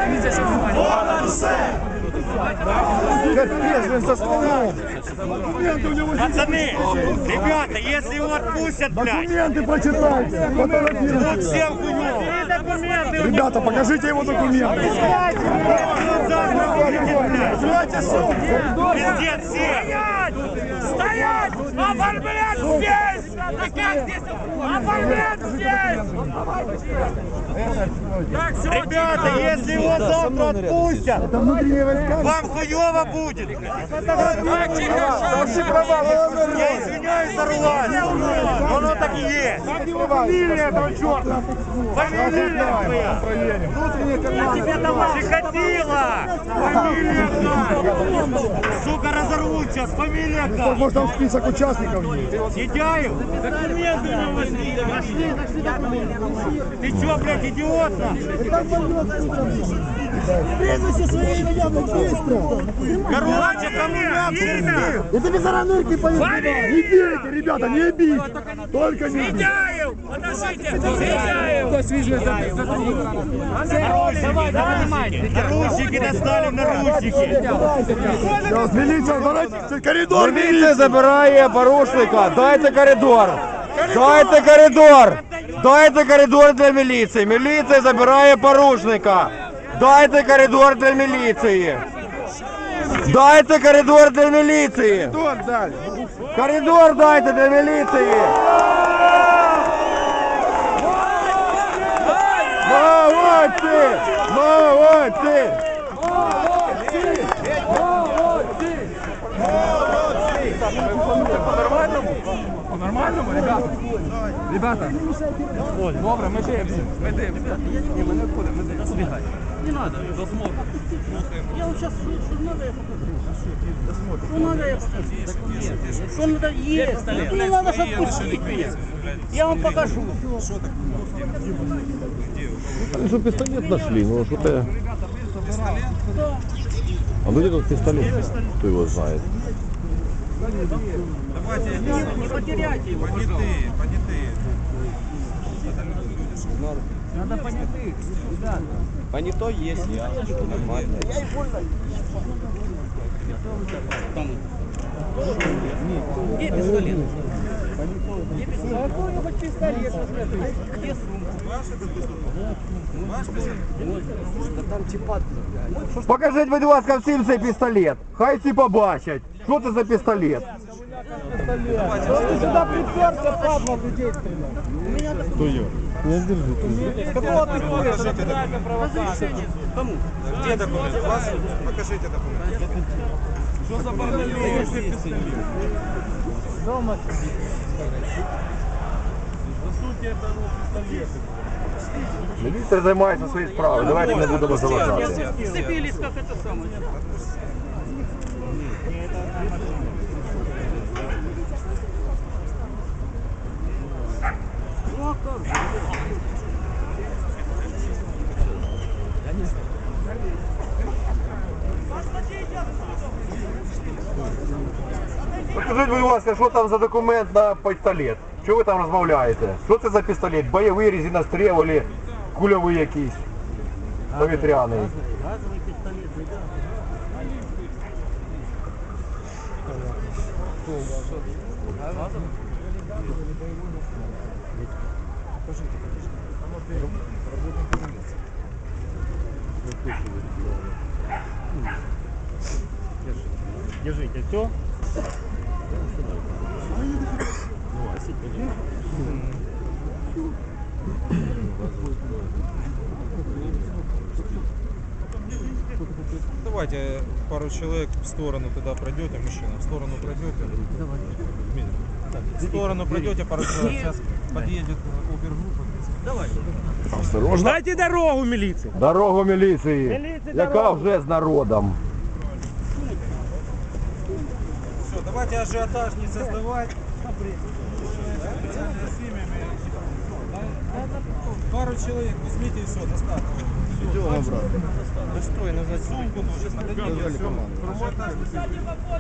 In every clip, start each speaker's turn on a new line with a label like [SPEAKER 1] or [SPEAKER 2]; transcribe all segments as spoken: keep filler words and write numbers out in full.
[SPEAKER 1] Капец, блин, со стволом.
[SPEAKER 2] Пацаны, ребята, если его отпустят, блядь,
[SPEAKER 1] Документы прочитайте. Фотографируйте.
[SPEAKER 2] тут всем хуёво.
[SPEAKER 1] Ребята, покажите его документы.
[SPEAKER 2] Пиздец всем.
[SPEAKER 3] Стоять! Оформлять здесь! Да как здесь? Оформлять здесь! Так, все,
[SPEAKER 2] Ребята, если его завтра отпустят,
[SPEAKER 1] Это внутренние войска.
[SPEAKER 2] вам хуёво будет.
[SPEAKER 3] Так, тихо,
[SPEAKER 2] Я извиняюсь за ругательство, но оно так и есть.
[SPEAKER 1] Фамилия этого черта.
[SPEAKER 2] Фамилия твоя.
[SPEAKER 1] Внутренние карманы.
[SPEAKER 2] Чикатило. Фамилия как? Сука, разорвут сейчас. Фамилия как?
[SPEAKER 1] Может, там список участников есть.
[SPEAKER 2] Сидяев? Документы у него нашли. Нашли, нашли документы. Ты чё, блядь, идиот?
[SPEAKER 1] Прежде свои ребята, быстро.
[SPEAKER 2] Короче, коммуняцию.
[SPEAKER 1] Это без ранырки поезда. Не бейте, ребята, не бейте. Только не бейте.
[SPEAKER 3] Сидяев! Подождите! Сидяев!
[SPEAKER 2] Давай, давай, наручники достали, наручники.
[SPEAKER 1] Сейчас, милиция, давайте коридор.
[SPEAKER 4] Міліція забирає порушника. Дайте коридор. Дайте коридор. Дайте коридор для міліції. Міліція забирає порушника. Дайте коридор для міліції. Дайте коридор для міліції.
[SPEAKER 1] Коридор дали.
[SPEAKER 4] Коридор дайте для міліції.
[SPEAKER 1] Молодцы! Молодцы!
[SPEAKER 5] По-нормальному, ребята? Ребята, добре, ми дивимося, ми дивимося. Ні, ми не входимо, ми дивимося. Збігай. Не треба, досмотр.
[SPEAKER 6] Я вот сейчас, что надо, я покажу. Что надо, я покажу. Что надо, есть. Ну, мне надо, чтобы отпустить меня. Я вам покажу.
[SPEAKER 4] Что пистолет нашли, ну что-то... А ну где тут пистолет? Кто его знает?
[SPEAKER 6] Не, не потеряйте его,
[SPEAKER 7] Понятые, понятые.
[SPEAKER 6] надо понятых, ребята.
[SPEAKER 5] Понятой есть, я. Нормально.
[SPEAKER 6] Где пистолет? Где пистолет? Какой хоть пистолет? Где сумка?
[SPEAKER 5] Там типа...
[SPEAKER 4] Покажіть, будь ласка, всім цей пістолет. Хай всі побачать. Що це за пістолет?
[SPEAKER 1] Ты сюда приперся, падла, ты деть стрелять. Кто я? Я держу. Какого ты куришь?
[SPEAKER 6] Разрешение. Кому?
[SPEAKER 7] Где документы? У вас? Покажите документы.
[SPEAKER 5] Що за бордель?
[SPEAKER 1] Дома.
[SPEAKER 4] Міліція займається своєю справою. Давайте не будемо заважати.
[SPEAKER 6] Сцепились, как это самое.
[SPEAKER 4] Скажіть, будь ласка, що там за документ на пістолет? Що ви там розмовляєте? Що це за пістолет? Бойовий, резиностріл, або кульовий якийсь? Повітряний.
[SPEAKER 6] Газовый пистолет, ребята.
[SPEAKER 2] Держите, все.
[SPEAKER 7] Давайте пару человек в сторону туда пройдете, мужчина, в сторону пройдете. В сторону пройдете, пару человек. Сейчас подъедет опергруппа.
[SPEAKER 6] Давай.
[SPEAKER 4] Осторожно.
[SPEAKER 2] Дайте дорогу міліції.
[SPEAKER 4] Дорогу міліції,
[SPEAKER 2] Міліції
[SPEAKER 4] яка
[SPEAKER 2] дорогу.
[SPEAKER 4] вже з народом.
[SPEAKER 7] Все, давайте ажиотаж не создавать. Пару человек возьмите и все, достаточно.
[SPEAKER 1] Идем обратно.
[SPEAKER 7] Да стой, нужно сумку нужно. Подойдите, все. Ажиотаж не создавать.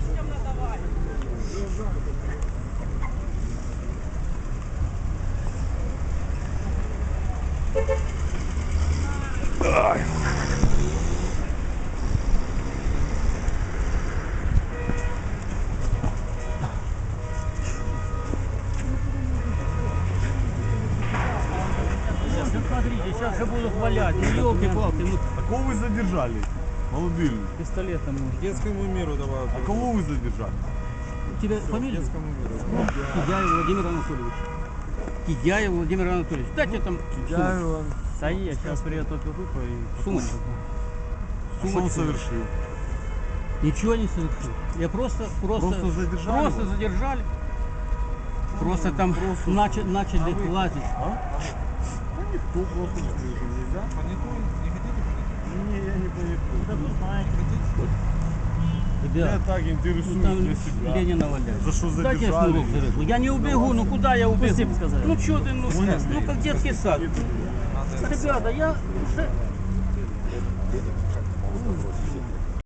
[SPEAKER 6] буду хвалять. Ну, елки-палки, ну,
[SPEAKER 1] А кого вы задержали? Молодые люди.
[SPEAKER 6] пистолетом может.
[SPEAKER 7] Детскому миру давай.
[SPEAKER 1] А кого вы задержали?
[SPEAKER 6] У тебя фамилия?
[SPEAKER 7] Детскому миру.
[SPEAKER 6] Кидяев Владимир Анатольевич. Кидяев Владимир Анатольевич. Дайте там сумочку. Да я сейчас приеду только выпаю и сумочку.
[SPEAKER 1] А что он совершил?
[SPEAKER 6] Ничего не совершил. Я просто, просто,
[SPEAKER 1] Просто задержали
[SPEAKER 6] просто
[SPEAKER 1] его?
[SPEAKER 6] задержали. Просто там начали, начали лазить.
[SPEAKER 1] Кто просто нельзя?
[SPEAKER 7] Понятую, не хотите?
[SPEAKER 1] Не, я не понимаю. Я
[SPEAKER 6] Ребят,
[SPEAKER 1] так
[SPEAKER 6] ну,
[SPEAKER 1] интересуюсь
[SPEAKER 6] там
[SPEAKER 1] для себя.
[SPEAKER 6] Ленина валяет.
[SPEAKER 1] За что
[SPEAKER 6] Дайте я
[SPEAKER 1] задержали?
[SPEAKER 6] шнурок завяжу. Я не убегу, ну куда я убегу? Ну что ты, ну, ну как детский сад. Ребята, я уже